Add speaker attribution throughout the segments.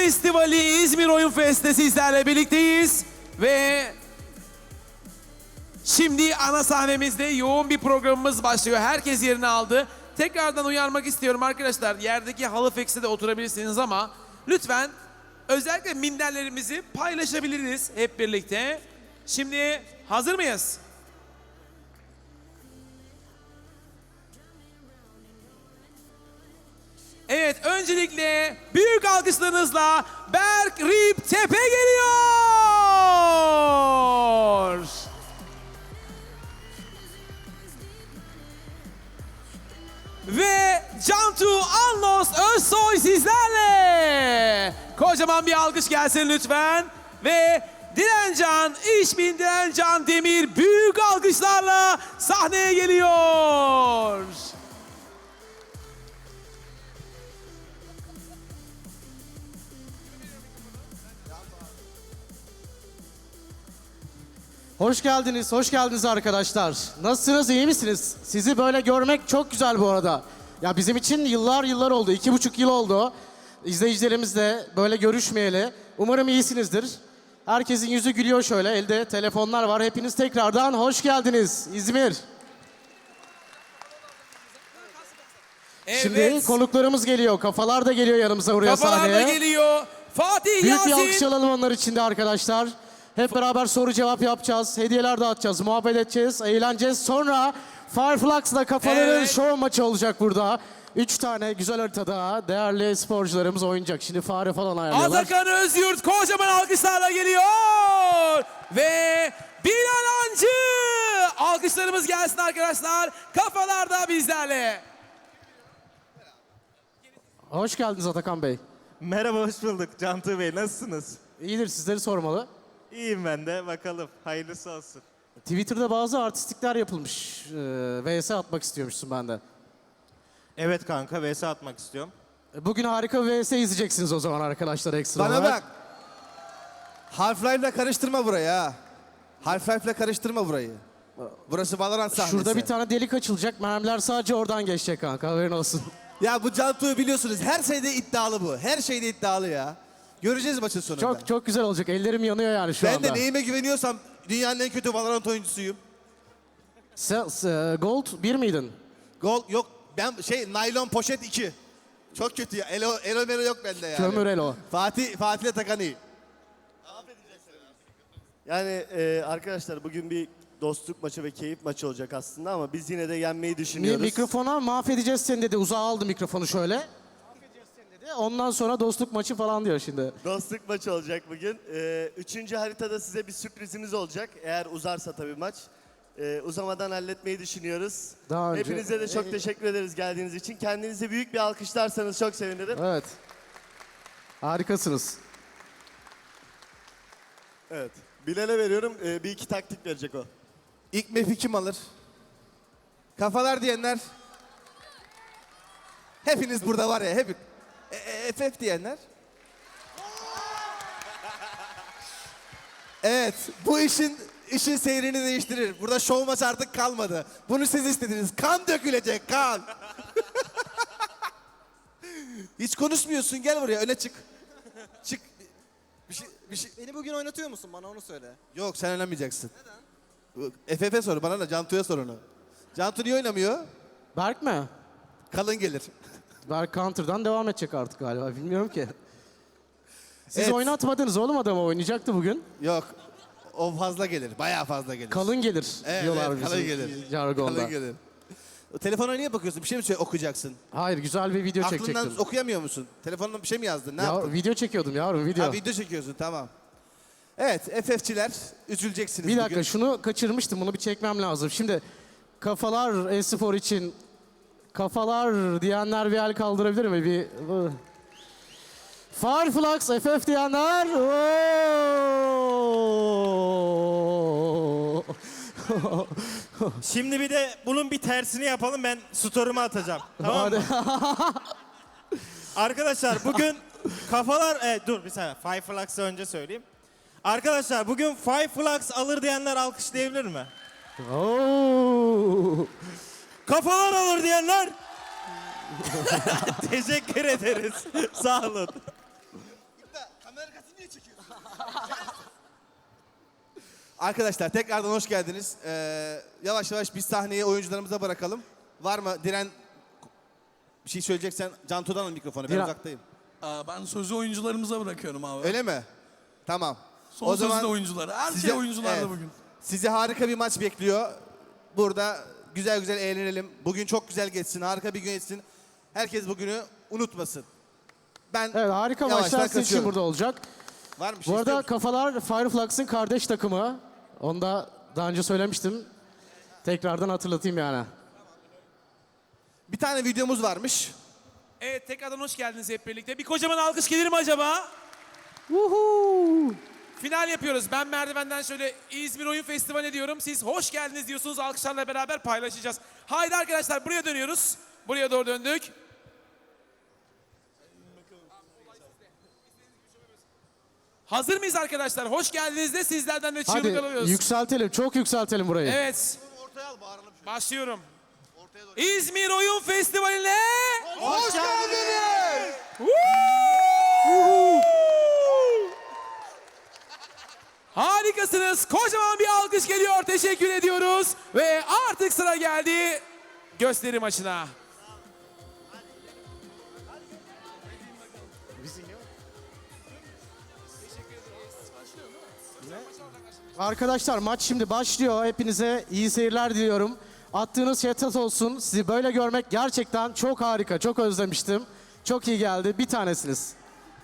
Speaker 1: Festivali İzmir Oyun Fest'te sizlerle birlikteyiz ve şimdi ana sahnemizde yoğun bir programımız başlıyor. Herkes yerini aldı. Tekrardan uyarmak istiyorum arkadaşlar. Yerdeki halı fekste de oturabilirsiniz ama lütfen özellikle minderlerimizi paylaşabiliriz hep birlikte. Şimdi hazır mıyız? Evet, öncelikle büyük alkışlarınızla Berk Rip Tepe geliyor. Ve Cantu Anlos Özsoy sizlerle. Kocaman bir alkış gelsin lütfen. Ve Dilencan, İşbin Dilencan Demir büyük alkışlarla sahneye geliyor.
Speaker 2: Hoş geldiniz arkadaşlar. Nasılsınız, iyi misiniz? Sizi böyle görmek çok güzel bu arada. Ya bizim için yıllar oldu, 2,5 yıl oldu. İzleyicilerimizle böyle görüşmeyeli. Umarım iyisinizdir. Herkesin yüzü gülüyor şöyle, elde telefonlar var. Hepiniz tekrardan hoş geldiniz İzmir.
Speaker 1: Evet.
Speaker 2: Şimdi konuklarımız geliyor, kafalar da geliyor yanımıza buraya
Speaker 1: Kafalar
Speaker 2: sahneye.
Speaker 1: da geliyor. Fatih
Speaker 2: Büyük
Speaker 1: Yasin.
Speaker 2: bir alkış alalım onlar için de arkadaşlar. Hep beraber soru cevap yapacağız, hediyeler dağıtacağız, muhabbet edeceğiz, eğleneceğiz. Sonra Fireflux'la kafaların
Speaker 1: Evet.
Speaker 2: şov maçı olacak burada. 3 tane güzel haritada değerli sporcularımız oynayacak. Şimdi fare falan ayarlıyorlar.
Speaker 1: Atakan Özyurt kocaman alkışlarla geliyor. Ve Bilal Ancı. Alkışlarımız gelsin arkadaşlar. Kafalar da bizlerle.
Speaker 2: Hoş geldiniz Atakan Bey.
Speaker 3: Merhaba, hoş bulduk. Cantu Bey, nasılsınız?
Speaker 2: İyidir, sizleri sormalı.
Speaker 3: İyiyim ben de, bakalım. Hayırlısı olsun.
Speaker 2: Twitter'da bazı artistikler yapılmış. VS atmak istiyormuşsun benden.
Speaker 3: Evet kanka, vs atmak istiyorum.
Speaker 2: Bugün harika bir VS izleyeceksiniz o zaman arkadaşlar ekstra
Speaker 4: Bana
Speaker 2: olarak.
Speaker 4: bak. Half-Life'le karıştırma burayı ha. Half-Life'le karıştırma burayı. Burası Valorant sahnesi.
Speaker 2: Şurada bir tane delik açılacak. Mermiler sadece oradan geçecek kanka, haberin olsun.
Speaker 4: Ya bu Cantu'yu biliyorsunuz. Her şeyde iddialı bu. Her şeyde iddialı ya. Göreceğiz maçın sonunda.
Speaker 2: Çok güzel olacak. Ellerim yanıyor yani şu
Speaker 4: Ben
Speaker 2: anda.
Speaker 4: de neyime güveniyorsam dünyanın en kötü Valorant oyuncusuyum.
Speaker 2: Gold 1 miydin?
Speaker 4: Gol yok. Ben naylon poşet 2. Çok kötü ya. Elo melo yok bende yani.
Speaker 2: Kömür elo.
Speaker 4: Fatih'le Takan iyi.
Speaker 5: Yani arkadaşlar bugün bir dostluk maçı ve keyif maçı olacak aslında ama biz yine de yenmeyi
Speaker 2: Niye
Speaker 5: düşünüyoruz.
Speaker 2: mikrofona mahvedeceğiz seni dedi. Uzağa aldı mikrofonu şöyle. Mahvedeceğiz seni dedi. Ondan sonra dostluk maçı falan diyor şimdi.
Speaker 5: Dostluk maçı olacak bugün. Üçüncü haritada size bir sürprizimiz olacak. Eğer uzarsa tabii maç. Uzamadan halletmeyi düşünüyoruz.
Speaker 2: Daha önce-
Speaker 5: Hepinize de çok teşekkür ederiz geldiğiniz için. Kendinize büyük bir alkışlarsanız çok sevinirim.
Speaker 2: Evet. Harikasınız.
Speaker 5: Evet. Bilal'e veriyorum. Bir iki taktik verecek o.
Speaker 4: İlk map'i kim alır? Kafalar diyenler. Hepiniz burada var ya. FF diyenler. Evet. Bu işin seyrini değiştirir. Burada şov maç artık kalmadı. Bunu siz istediniz. Kan dökülecek, kan. Hiç konuşmuyorsun. Gel buraya. Öne çık. Çık. Bir şey.
Speaker 6: Beni bugün oynatıyor musun? Bana onu söyle.
Speaker 4: Yok, sen oynamayacaksın. Neden? FF'e sor. Bana da Cantu'ya sor onu. Cantu niye oynamıyor?
Speaker 2: Berk mi?
Speaker 4: Kalın gelir.
Speaker 2: Berk Counter'dan devam edecek artık galiba. Bilmiyorum ki. Siz
Speaker 4: Evet.
Speaker 2: oynatmadınız oğlum adamı. Oynayacaktı bugün.
Speaker 4: Yok. O fazla gelir. Bayağı fazla gelir.
Speaker 2: Kalın gelir diyorlar
Speaker 4: evet, kalın
Speaker 2: bizim
Speaker 4: gelir.
Speaker 2: jargonda.
Speaker 4: Kalın gelir. O telefona niye bakıyorsun? Bir şey mi okuyacaksın?
Speaker 2: Hayır, güzel bir video
Speaker 4: Aklından
Speaker 2: çekecektim.
Speaker 4: okuyamıyor musun? Telefonuna bir şey mi yazdın? Ne
Speaker 2: Ya,
Speaker 4: yaptın?
Speaker 2: video çekiyordum yavrum, video.
Speaker 4: Ha, video çekiyorsun, tamam. Evet, FF'çiler üzüleceksiniz
Speaker 2: Bir dakika,
Speaker 4: bugün.
Speaker 2: şunu kaçırmıştım. Bunu bir çekmem lazım. Şimdi kafalar e-spor için kafalar diyenler bir el kaldırabilir mi? Bir Fireflux FF diyenler. Oo!
Speaker 3: Şimdi bir de bunun bir tersini yapalım, ben story'ime atacağım. Tamam mı? Arkadaşlar bugün kafalar... dur bir saniye, Fireflux'ı önce söyleyeyim. Arkadaşlar bugün Fireflux alır diyenler alkışlayabilir mi?
Speaker 2: Oo!
Speaker 3: Kafalar alır diyenler... Teşekkür ederiz. Sağ olun.
Speaker 4: Arkadaşlar tekrardan hoş geldiniz. Yavaş yavaş biz sahneyi oyuncularımıza bırakalım. Var mı Diren bir şey söyleyeceksen Cantu'dan al mikrofonu. Ben
Speaker 2: Diren-
Speaker 4: uzaktayım.
Speaker 7: Ben sözü oyuncularımıza bırakıyorum abi.
Speaker 4: Öyle mi? Tamam.
Speaker 7: Son sözü de oyunculara. Her şey oyuncularda
Speaker 4: evet,
Speaker 7: bugün.
Speaker 4: Sizi harika bir maç bekliyor. Burada güzel güzel eğlenelim. Bugün çok güzel geçsin. Harika bir gün geçsin. Herkes bugünü unutmasın. Ben
Speaker 2: Evet, harika
Speaker 4: yavaştan
Speaker 2: maçlar sizin için
Speaker 4: kaçıyorum.
Speaker 2: burada olacak.
Speaker 4: Var mı bir şey
Speaker 2: Bu
Speaker 4: istiyor
Speaker 2: arada
Speaker 4: musun?
Speaker 2: Kafalar Fireflux'ın kardeş takımı. Onu da daha önce söylemiştim. Tekrardan hatırlatayım yani.
Speaker 4: Bir tane videomuz varmış.
Speaker 1: Evet tekrardan hoş geldiniz hep birlikte. Bir kocaman alkış gelir mi acaba?
Speaker 2: Woohoo!
Speaker 1: Final yapıyoruz. Ben merdivenden şöyle İzmir Oyun Festivali diyorum. Siz hoş geldiniz diyorsunuz. Alkışlarla beraber paylaşacağız. Haydi arkadaşlar buraya dönüyoruz. Buraya doğru döndük. Hazır mıyız arkadaşlar? Hoş geldiniz de sizlerden de çığlık
Speaker 2: Hadi
Speaker 1: alıyoruz.
Speaker 2: yükseltelim, çok yükseltelim burayı.
Speaker 1: Evet. Başlıyorum. İzmir Oyun Festivali'ne
Speaker 4: Hoş geldiniz.
Speaker 1: harikasınız. Kocaman bir alkış geliyor. Teşekkür ediyoruz. Ve artık sıra geldi gösteri maçına.
Speaker 2: Arkadaşlar maç şimdi başlıyor. Hepinize iyi seyirler diliyorum. Attığınız şey tat olsun. Sizi böyle görmek gerçekten çok harika. Çok özlemiştim. Çok iyi geldi. Bir tanesiniz.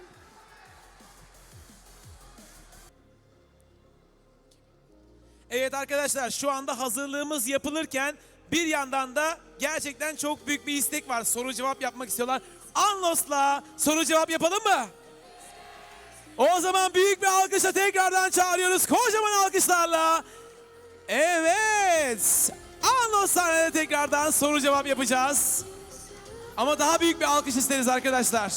Speaker 1: Evet arkadaşlar şu anda hazırlığımız yapılırken bir yandan da gerçekten çok büyük bir istek var. Soru cevap yapmak istiyorlar. Anlos'la soru cevap yapalım mı? O zaman büyük bir alkışla tekrardan çağırıyoruz. Kocaman alkışlarla. Evet. Anlos sahnede tekrardan soru cevap yapacağız. Ama daha büyük bir alkış isteriz arkadaşlar.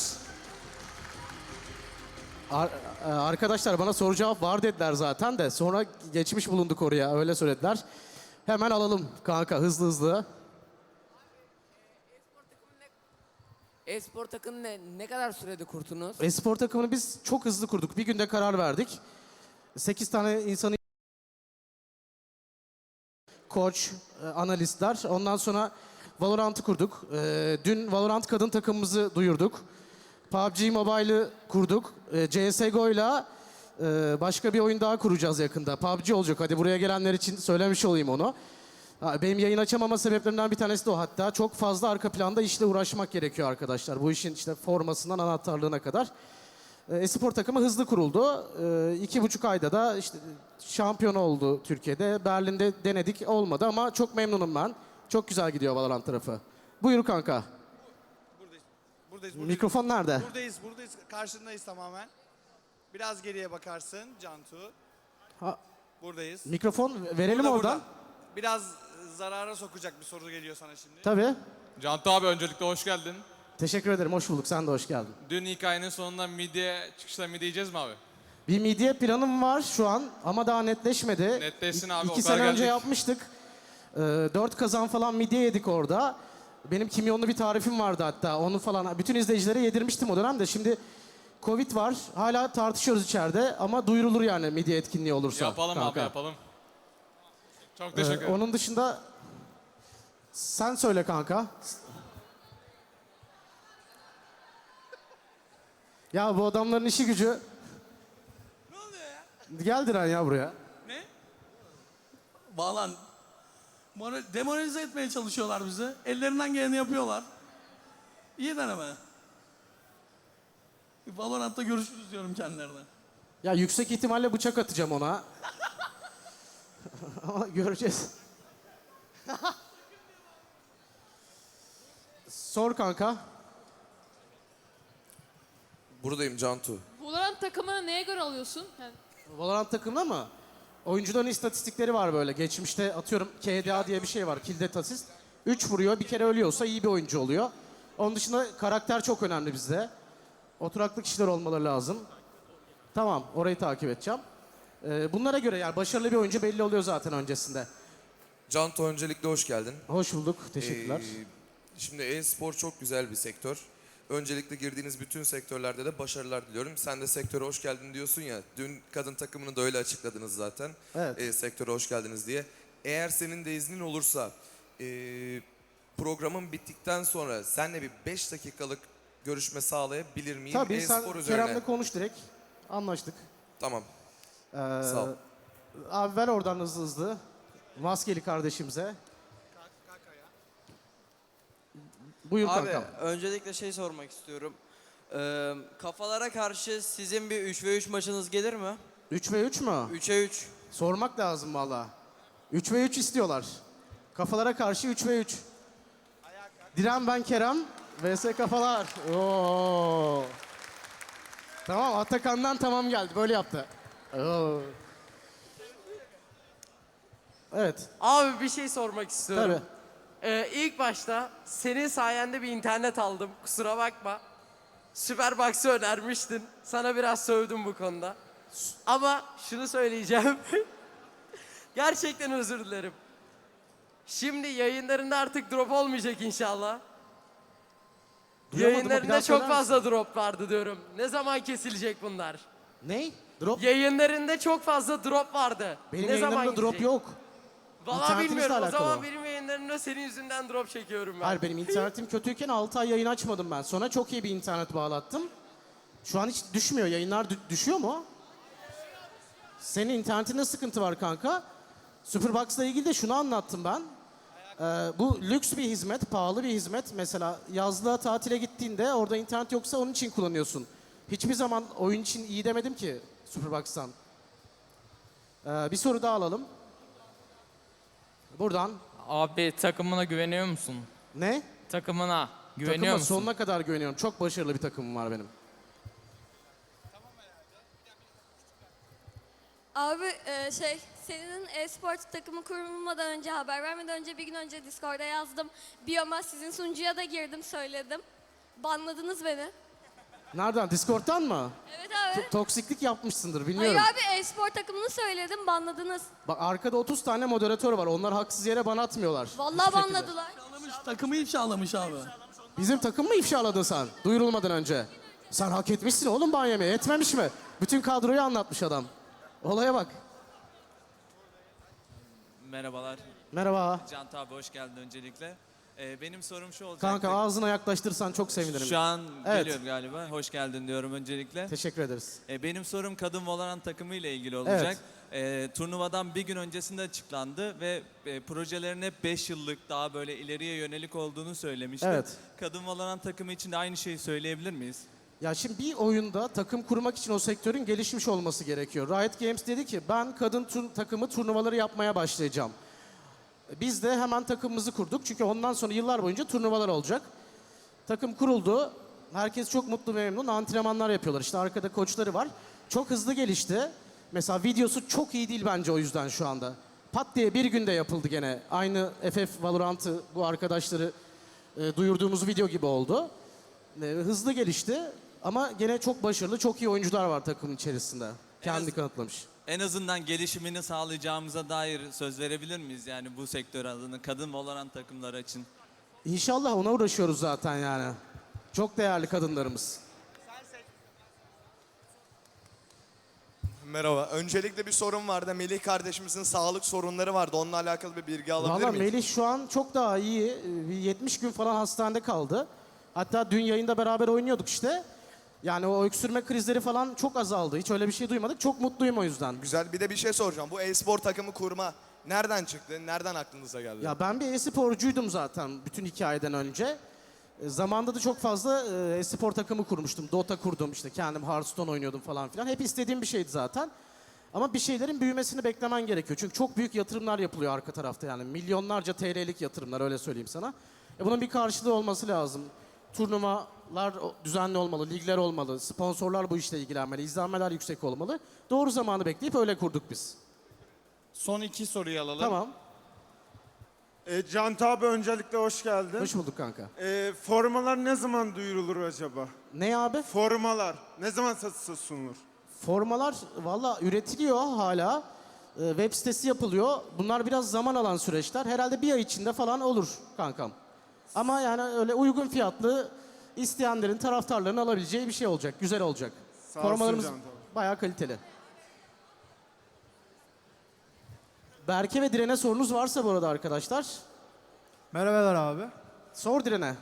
Speaker 2: Arkadaşlar bana soru cevap var dediler zaten de. Sonra geçmiş bulunduk oraya. Öyle söylediler. Hemen alalım kanka hızlı hızlı.
Speaker 8: E-spor takımını ne kadar sürede kurdunuz?
Speaker 2: Espor takımını biz çok hızlı kurduk. Bir günde karar verdik. 8 tane insanı koç, analistler. Ondan sonra Valorant'ı kurduk. Dün Valorant kadın takımımızı duyurduk. PUBG Mobile'ı kurduk. CSGO'yla başka bir oyun daha kuracağız yakında. PUBG olacak. Hadi buraya gelenler için söylemiş olayım onu. Benim yayın açamama sebeplerimden bir tanesi de o hatta. Çok fazla arka planda işle uğraşmak gerekiyor arkadaşlar. Bu işin işte formasından anahtarlığına kadar. Espor takımı hızlı kuruldu. 2,5 ayda da işte şampiyon oldu Türkiye'de. Berlin'de denedik olmadı ama çok memnunum ben. Çok güzel gidiyor Valorant tarafı. Buyur kanka.
Speaker 6: Buradayız.
Speaker 2: Mikrofon nerede?
Speaker 6: Buradayız. Karşındayız tamamen. Biraz geriye bakarsın Cantu.
Speaker 2: Ha,
Speaker 6: Buradayız.
Speaker 2: mikrofon verelim
Speaker 6: Burada,
Speaker 2: oradan.
Speaker 6: burada. Biraz zarara sokacak bir soru geliyor sana şimdi.
Speaker 2: Tabii.
Speaker 9: Cantu abi öncelikle hoş geldin.
Speaker 2: Teşekkür ederim. Hoş bulduk. Sen de hoş geldin.
Speaker 9: Dün hikayenin sonunda çıkışta midye yiyeceğiz mi abi?
Speaker 2: Bir midye planım var şu an ama daha netleşmedi.
Speaker 9: Netleşsin abi, o
Speaker 2: 2
Speaker 9: kadar
Speaker 2: sene önce
Speaker 9: gelecek.
Speaker 2: yapmıştık. 4 kazan falan midye yedik orada. Benim kimyonlu bir tarifim vardı hatta. Onu falan bütün izleyicilere yedirmiştim o dönemde. Şimdi Covid var. Hala tartışıyoruz içeride ama duyurulur yani midye etkinliği olursa.
Speaker 9: Yapalım
Speaker 2: kanka.
Speaker 9: abi yapalım. Çok teşekkür ederim.
Speaker 2: Onun dışında sen söyle kanka. Ya bu adamların işi gücü.
Speaker 1: Ne oluyor ya?
Speaker 2: Gel Diren ya buraya.
Speaker 1: Ne?
Speaker 7: Bağlan. Demoralize etmeye çalışıyorlar bizi. Ellerinden geleni yapıyorlar. İyi deneme. Valorant'ta görüşürüz diyorum kendilerine.
Speaker 2: Ya yüksek ihtimalle bıçak atacağım ona. Ama göreceğiz. Sor kanka.
Speaker 10: Buradayım Cantu.
Speaker 11: Valorant takımını neye göre alıyorsun? Yani
Speaker 2: Valorant takımda mı? Oyuncuların istatistikleri var böyle. Geçmişte atıyorum KDA diye bir şey var. Kill Death Assist. 3 vuruyor, bir kere ölüyorsa iyi bir oyuncu oluyor. Onun dışında karakter çok önemli bizde. Oturaklı kişiler olmaları lazım. Tamam, orayı takip edeceğim. Bunlara göre yani başarılı bir oyuncu belli oluyor zaten öncesinde.
Speaker 10: Cantu öncelikle hoş geldin.
Speaker 2: Hoş bulduk, teşekkürler.
Speaker 10: Şimdi e-spor çok güzel bir sektör. Öncelikle girdiğiniz bütün sektörlerde de başarılar diliyorum. Sen de sektöre hoş geldin diyorsun ya. Dün kadın takımını da öyle açıkladınız zaten.
Speaker 2: Evet.
Speaker 10: Sektöre hoş geldiniz diye. Eğer senin de iznin olursa programın bittikten sonra seninle bir 5 dakikalık görüşme sağlayabilir miyim?
Speaker 2: Tabii sen
Speaker 10: E-spor üzerine.
Speaker 2: Kerem'le konuş direkt. Anlaştık.
Speaker 10: Tamam.
Speaker 2: Ee,
Speaker 10: Sağ ol.
Speaker 2: Abi ver oradan hızlı hızlı. Maskeli kardeşimize. Buyur
Speaker 12: Abi
Speaker 2: kankam.
Speaker 12: öncelikle şey sormak istiyorum. Kafalara karşı sizin bir 3v3 maçınız gelir mi?
Speaker 2: 3 ve 3 mü?
Speaker 12: 3'e 3.
Speaker 2: Sormak lazım valla. 3 ve 3 istiyorlar. Kafalara karşı 3 ve 3. Diren ben Kerem. vs kafalar. Oo. Tamam Atakan'dan tamam geldi. Böyle yaptı. Oo. Evet.
Speaker 12: Abi bir şey sormak istiyorum.
Speaker 2: Tabii.
Speaker 12: İlk başta senin sayende bir internet aldım. Kusura bakma. Superbox'ı önermiştin. Sana biraz sövdüm bu konuda. Ama şunu söyleyeceğim. Gerçekten özür dilerim. Şimdi yayınlarında artık drop olmayacak inşallah.
Speaker 2: Duyamadım, bir daha
Speaker 12: Yayınlarında
Speaker 2: söyler
Speaker 12: çok
Speaker 2: misin?
Speaker 12: fazla drop vardı diyorum. Ne zaman kesilecek bunlar?
Speaker 2: Ne? Drop?
Speaker 12: Yayınlarında çok fazla drop vardı.
Speaker 2: Benim
Speaker 12: ne zaman
Speaker 2: yayınlarımda drop
Speaker 12: gidecek?
Speaker 2: yok.
Speaker 12: Valla
Speaker 2: İnternetimizle
Speaker 12: bilmiyorum. O
Speaker 2: alakalı
Speaker 12: zaman
Speaker 2: o.
Speaker 12: benim yayınlarımda senin yüzünden drop çekiyorum ben.
Speaker 2: Hayır benim internetim kötüyken 6 ay yayın açmadım ben. Sonra çok iyi bir internet bağlattım. Şu an hiç düşmüyor. Yayınlar düşüyor mu? Senin internetinde sıkıntı var kanka. Superbox'la ilgili de şunu anlattım ben. Bu lüks bir hizmet, pahalı bir hizmet. Mesela yazlığa tatile gittiğinde orada internet yoksa onun için kullanıyorsun. Hiçbir zaman oyun için iyi demedim ki Superbox'tan. Bir soru daha alalım. Buradan.
Speaker 8: Abi takımına güveniyor musun?
Speaker 2: Ne?
Speaker 8: Takımına güveniyor
Speaker 2: Takıma
Speaker 8: musun?
Speaker 2: sonuna kadar güveniyorum. Çok başarılı bir takımım var benim.
Speaker 11: Abi senin e-spor takımı kurulmadan önce, haber vermeden önce bir gün önce Discord'a yazdım. Biyoma sizin sunucuya da girdim söyledim. Banladınız beni.
Speaker 2: Nereden? Discord'dan mı?
Speaker 11: Evet abi.
Speaker 2: Toksiklik yapmışsındır
Speaker 11: Hayır
Speaker 2: bilmiyorum.
Speaker 11: abi e-spor takımını söyledim banladınız.
Speaker 2: Bak arkada 30 tane moderatör var. Onlar haksız yere bana atmıyorlar.
Speaker 11: Vallahi
Speaker 2: Hiçbir şekilde.
Speaker 11: banladılar.
Speaker 7: Takımı ifşalamış abi.
Speaker 2: Bizim takım mı ifşaladın sen? Duyurulmadan önce. Sen hak etmişsin oğlum ban yemeği. Etmemiş mi? Bütün kadroyu anlatmış adam. Olaya bak.
Speaker 13: Merhabalar.
Speaker 2: Merhaba.
Speaker 13: Can abi hoş geldin öncelikle. Benim sorum şu olacak.
Speaker 2: Kanka ağzına yaklaştırsan çok sevinirim.
Speaker 13: Şu an
Speaker 2: Evet.
Speaker 13: geliyorum galiba. Hoş geldin diyorum öncelikle.
Speaker 2: Teşekkür ederiz.
Speaker 13: Benim sorum kadın Valorant takımı ile ilgili olacak. Turnuvadan bir gün öncesinde açıklandı ve projelerin hep 5 yıllık daha böyle ileriye yönelik olduğunu söylemişti.
Speaker 2: Evet.
Speaker 13: Kadın Valorant takımı için de aynı şeyi söyleyebilir miyiz?
Speaker 2: Ya şimdi bir oyunda takım kurmak için o sektörün gelişmiş olması gerekiyor. Riot Games dedi ki ben kadın takımı turnuvaları yapmaya başlayacağım. Biz de hemen takımımızı kurduk. Çünkü ondan sonra yıllar boyunca turnuvalar olacak. Takım kuruldu. Herkes çok mutlu ve memnun. Antrenmanlar yapıyorlar. İşte arkada koçları var. Çok hızlı gelişti. Mesela videosu çok iyi değil bence o yüzden şu anda. Pat diye bir günde yapıldı gene. Aynı FF Valorant'ı bu arkadaşları duyurduğumuz video gibi oldu. Hızlı gelişti. Ama gene çok başarılı, çok iyi oyuncular var takımın içerisinde. Kendi kanıtlamış.
Speaker 13: En azından gelişimini sağlayacağımıza dair söz verebilir miyiz yani bu sektör adına kadın Valorant takımları için?
Speaker 2: İnşallah ona uğraşıyoruz zaten yani. Çok değerli kadınlarımız.
Speaker 14: Merhaba. Öncelikle bir sorun vardı. Melih kardeşimizin sağlık sorunları vardı. Onunla alakalı bir bilgi alabilir
Speaker 2: Valla
Speaker 14: miyiz?
Speaker 2: Melih şu an çok daha iyi. Bir 70 gün falan hastanede kaldı. Hatta dün yayında beraber oynuyorduk işte. Yani o öksürme krizleri falan çok azaldı. Hiç öyle bir şey duymadık. Çok mutluyum o yüzden.
Speaker 14: Güzel. Bir de bir şey soracağım. Bu e-spor takımı kurma nereden çıktı? Nereden aklınıza geldi?
Speaker 2: Ya ben bir e-sporcuydum zaten bütün hikayeden önce. Zamanında da çok fazla e-spor takımı kurmuştum. Dota kurdum işte kendim Hearthstone oynuyordum falan filan. Hep istediğim bir şeydi zaten. Ama bir şeylerin büyümesini beklemen gerekiyor. Çünkü çok büyük yatırımlar yapılıyor arka tarafta yani. Milyonlarca TL'lik yatırımlar öyle söyleyeyim sana. Bunun bir karşılığı olması lazım. Turnuvalar düzenli olmalı, ligler olmalı, sponsorlar bu işle ilgilenmeli, izlenmeler yüksek olmalı. Doğru zamanı bekleyip öyle kurduk biz.
Speaker 6: Son 2 soruyu alalım.
Speaker 2: Tamam.
Speaker 6: Can abi öncelikle hoş geldin.
Speaker 2: Hoş bulduk kanka.
Speaker 6: Formalar ne zaman duyurulur acaba?
Speaker 2: Ne abi?
Speaker 6: Formalar ne zaman satışa sunulur?
Speaker 2: Formalar valla üretiliyor hala. Web sitesi yapılıyor. Bunlar biraz zaman alan süreçler. Herhalde bir ay içinde falan olur kankam. Ama yani öyle uygun fiyatlı isteyenlerin, taraftarların alabileceği bir şey olacak. Güzel olacak.
Speaker 6: Sağ olsun
Speaker 2: Formalarımız
Speaker 6: canım, tabii.
Speaker 2: bayağı kaliteli. Berke ve Diren'e sorunuz varsa bu arada arkadaşlar.
Speaker 6: Merhabalar abi.
Speaker 2: Sor Diren'e.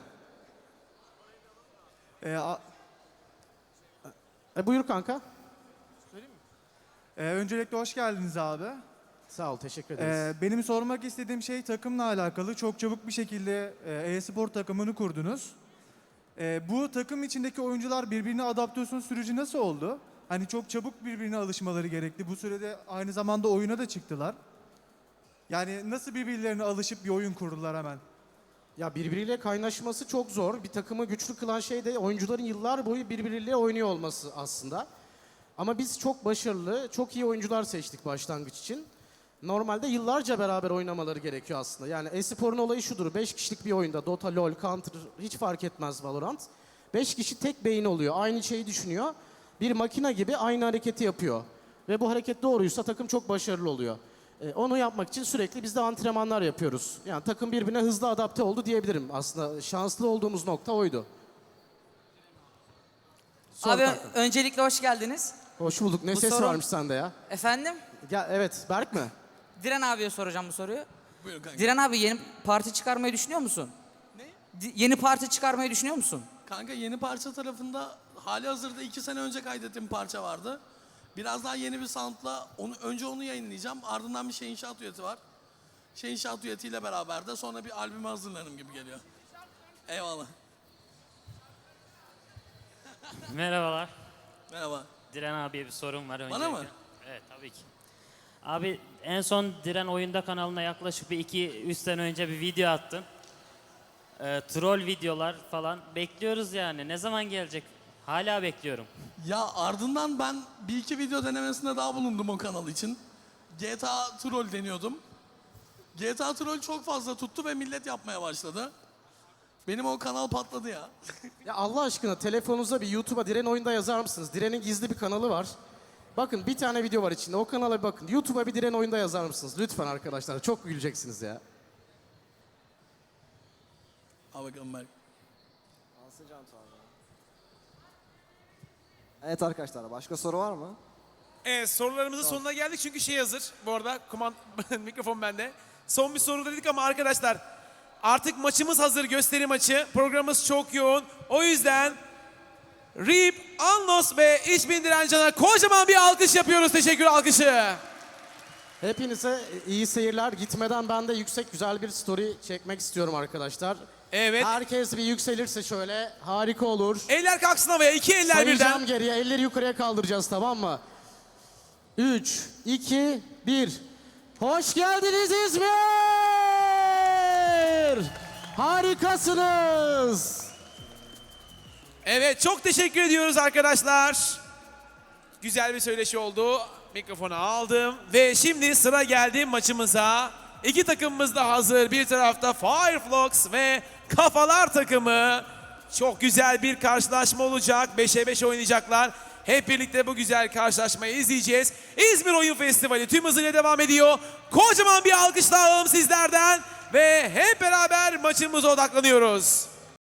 Speaker 2: Buyur kanka.
Speaker 6: Öncelikle hoş geldiniz abi.
Speaker 2: Sağ ol, teşekkür ederiz.
Speaker 6: Benim sormak istediğim şey takımla alakalı. Çok çabuk bir şekilde e-spor takımını kurdunuz. Bu takım içindeki oyuncular birbirine adaptasyon süreci nasıl oldu? Hani çok çabuk birbirine alışmaları gerekti. Bu sürede aynı zamanda oyuna da çıktılar. Yani nasıl birbirlerine alışıp bir oyun kurdular hemen?
Speaker 2: Ya birbiriyle kaynaşması çok zor. Bir takımı güçlü kılan şey de oyuncuların yıllar boyu birbiriyle oynuyor olması aslında. Ama biz çok başarılı, çok iyi oyuncular seçtik başlangıç için. Normalde yıllarca beraber oynamaları gerekiyor aslında. Yani e-sporun olayı şudur. 5 kişilik bir oyunda Dota, LoL, Counter hiç fark etmez Valorant. 5 kişi tek beyin oluyor. Aynı şeyi düşünüyor. Bir makine gibi aynı hareketi yapıyor. Ve bu hareket doğruysa takım çok başarılı oluyor. Onu yapmak için sürekli biz de antrenmanlar yapıyoruz. Yani takım birbirine hızlı adapte oldu diyebilirim. Aslında şanslı olduğumuz nokta oydu. Sor
Speaker 8: Abi
Speaker 2: kanka.
Speaker 8: öncelikle hoş geldiniz.
Speaker 2: Hoş bulduk. Ne
Speaker 8: Bu
Speaker 2: ses
Speaker 8: soru-
Speaker 2: varmış sende ya?
Speaker 8: Efendim?
Speaker 2: Ya evet, Berk mi?
Speaker 8: Diren abiye soracağım bu soruyu.
Speaker 7: Buyurun kanka.
Speaker 8: Diren abi yeni parti çıkarmayı düşünüyor musun?
Speaker 7: Ne?
Speaker 8: Yeni parti çıkarmayı düşünüyor musun?
Speaker 7: Kanka yeni parça tarafında hali hazırda 2 sene önce kaydettiğim parça vardı. Biraz daha yeni bir soundla önce onu yayınlayacağım. Ardından bir şey inşaat üyeti var. Şey inşaat üyetiyle beraber de sonra bir albüme hazırlanırım gibi geliyor. Eyvallah.
Speaker 15: Merhabalar.
Speaker 7: Merhaba.
Speaker 15: Diren abiye bir sorum var öncelikle.
Speaker 7: Bana mı?
Speaker 15: Evet tabii ki. Abi en son Diren Oyunda kanalına yaklaşık bir 2-3 sene önce bir video attın. Troll videolar falan bekliyoruz yani. Ne zaman gelecek? Hala bekliyorum.
Speaker 7: Ya ardından ben bir iki video denemesinde daha bulundum o kanal için. GTA Troll deniyordum. GTA Troll çok fazla tuttu ve millet yapmaya başladı. Benim o kanal patladı ya.
Speaker 2: Ya Allah aşkına telefonunuza bir YouTube'a Diren Oyunda yazar mısınız? Diren'in gizli bir kanalı var. Bakın bir tane video var içinde. O kanala bir bakın. YouTube'a bir Diren Oyunda yazar mısınız? Lütfen arkadaşlar. Çok güleceksiniz ya.
Speaker 7: Al bakalım Berk.
Speaker 16: Evet arkadaşlar, başka soru var mı?
Speaker 1: Evet, sorularımızın sonuna geldik çünkü şey hazır. Bu arada mikrofon bende. Son bir soru dedik ama arkadaşlar artık maçımız hazır, gösteri maçı. Programımız çok yoğun. O yüzden Reap, Anlos ve İçbin Direncan'a kocaman bir alkış yapıyoruz. Teşekkür alkışı.
Speaker 2: Hepinize iyi seyirler. Gitmeden ben de yüksek güzel bir story çekmek istiyorum arkadaşlar.
Speaker 1: Evet.
Speaker 2: Herkes bir yükselirse şöyle harika olur.
Speaker 1: Eller kalksın havaya. 2 eller
Speaker 2: Sayacağım
Speaker 1: birden.
Speaker 2: geriye. Elleri yukarıya kaldıracağız, tamam mı? 3, 2, 1. Hoş geldiniz İzmir! Harikasınız!
Speaker 1: Evet, çok teşekkür ediyoruz arkadaşlar. Güzel bir söyleşi oldu. Mikrofonu aldım ve şimdi sıra geldi maçımıza. İki takımımız da hazır. Bir tarafta Fireflux ve Kafalar takımı. Çok güzel bir karşılaşma olacak. 5'e 5 oynayacaklar. Hep birlikte bu güzel karşılaşmayı izleyeceğiz. İzmir Oyun Festivali tüm hızıyla devam ediyor. Kocaman bir alkışla alalım sizlerden ve hep beraber maçımıza odaklanıyoruz.